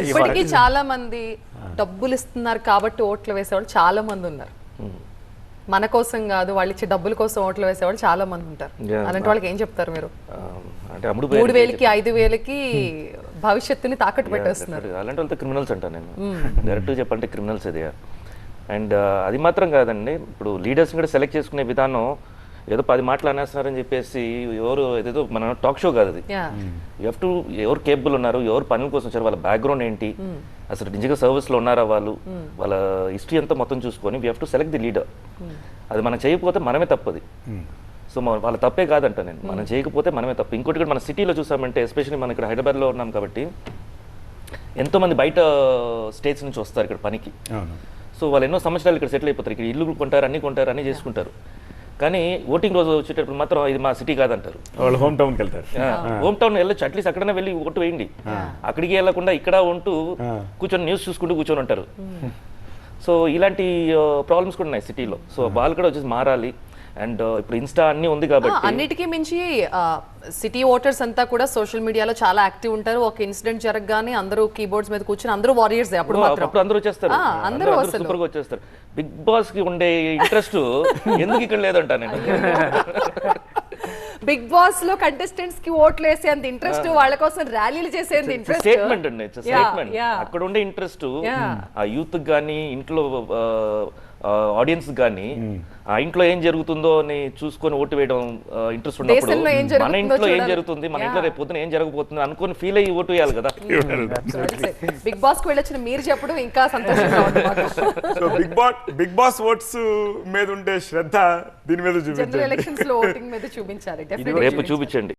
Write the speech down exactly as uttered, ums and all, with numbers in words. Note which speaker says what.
Speaker 1: ఇప్పటికీ చాలా మంది డబ్బులు ఇస్తున్నారు కాబట్టి ఓట్లు వేసేవాళ్ళు చాలా మంది ఉన్నారు. మన కోసం కాదు, వాళ్ళు ఇచ్చే డబ్బుల కోసం ఓట్లు వేసేవాళ్ళు చాలా మంది ఉంటారు. అలాంటి వాళ్ళకి ఏం చెప్తారు మీరు?
Speaker 2: అంటే అమ్ముడు
Speaker 1: మూడు వేలకి ఐదు వేలకి భవిష్యత్తుని తాకట్టు పెట్టేస్తున్నారు.
Speaker 2: అలాంటి వాళ్ళతో క్రిమినల్స్ అంటాను నేను, డైరెక్ట్ చెప్పంటే క్రిమినల్స్ ఇది. అండ్ అది మాత్రం కాదండి, ఇప్పుడు లీడర్స్ కూడా సెలెక్ట్ చేసుకునే విధానం ఏదో పది మాటలు అనేస్తున్నారని చెప్పేసి ఎవరు ఏదో మన టాక్ షో కాదు అది. యూ హ్యావ్ టు ఎవరు కేపబుల్ ఉన్నారు, ఎవరు పనుల కోసం వచ్చారు, వాళ్ళ బ్యాక్గ్రౌండ్ ఏంటి, అసలు నిజంగా సర్వీస్లో ఉన్నారా వాళ్ళు, వాళ్ళ హిస్టరీ అంతా మొత్తం చూసుకొని we have to select the leader. అది మనం చేయకపోతే మనమే తప్పది. సో వాళ్ళ తప్పే కాదంట నేను, మనం చేయకపోతే మనమే తప్పు. ఇంకోటి కూడా మన సిటీలో చూసామంటే, ఎస్పెషల్లీ మనం ఇక్కడ హైదరాబాద్లో ఉన్నాం కాబట్టి ఎంతోమంది బయట స్టేట్స్ నుంచి వస్తారు ఇక్కడ పనికి. సో వాళ్ళు ఎన్నో సంవత్సరాలు ఇక్కడ సెటిల్ అయిపోతారు, ఇక్కడ ఇల్లు కొంటారు, అన్ని కొంటారు, అన్ని చేసుకుంటారు. కానీ ఓటింగ్ రోజు వచ్చేటప్పుడు మాత్రం ఇది మా సిటీ కాదంటారు,
Speaker 3: వాళ్ళు హోమ్ టౌన్కి వెళ్తారు.
Speaker 2: హోమ్ టౌన్ వెళ్ళొచ్చు, అట్లీస్ట్ అక్కడనే వెళ్ళి ఓటు వేయండి. అక్కడికి వెళ్ళకుండా ఇక్కడ ఉంటూ కూర్చొని న్యూస్ చూసుకుంటూ కూర్చొని ఉంటారు. సో ఇలాంటి ప్రాబ్లమ్స్ కూడా ఉన్నాయి సిటీలో. సో వాళ్ళు కూడా వచ్చేసి మారాలి. అండ్ ఇప్పుడు ఇన్స్టా అన్ని ఉంది కాబట్టి,
Speaker 1: అన్నిటికీ మించి సిటీ ఓటర్స్ అంతా కూడా సోషల్ మీడియాలో చాలా యాక్టివ్ ఉంటారు. ఒక ఇన్సిడెంట్ జరగగానే అందరూ కీబోర్డ్స్ మీద కూర్చొని అందరూ వారియర్స్. అప్పుడు
Speaker 2: అప్పుడు అందరూ వచ్చేస్తారు, అందరూ సూపర్ గా వచ్చేస్తారు. బిగ్ బాస్ కి ఉండే ఇంట్రెస్ట్ ఎందుకు ఇక్కడ లేదంట నేను.
Speaker 1: బిగ్ బాస్ లో కంటెస్టెంట్స్ కి ఓట్లు వేసే అంత ఇంట్రెస్ట్, వాళ్ళ కోసం ర్యాలీలు చేసేంత ఇంట్రెస్ట్.
Speaker 2: స్టేట్మెంట్ అండి, స్టేట్మెంట్. అక్కడ ఉండే ఇంట్రెస్ట్ ఆ యూత్ గానీ, ఇంట్లో ఆడియన్స్ కానీ ఆ ఇంట్లో ఏం జరుగుతుందో అని చూసుకొని ఓటు వేయడం ఇంట్రెస్ట్ ఉన్నప్పుడు, మన ఇంట్లో ఏం జరుగుతుంది, మన ఇంట్లో రేపు పొద్దున ఏం జరగబోతుంది అనుకొని ఫీల్ అయ్యి ఓటు వేయాలి కదా.
Speaker 1: బిగ్ బాస్ కు వెళ్ళొచ్చిన మీరు చెప్పడం ఇంకా సంతోషంగా ఉంది.
Speaker 3: Big boss big boss votes మీద ఉండే శ్రద్ధ దీని మీద చూపించాలి,
Speaker 1: ఎలక్షన్స్ లో ఓటింగ్ మీద చూపించాలి.
Speaker 2: రేపు చూపించండి.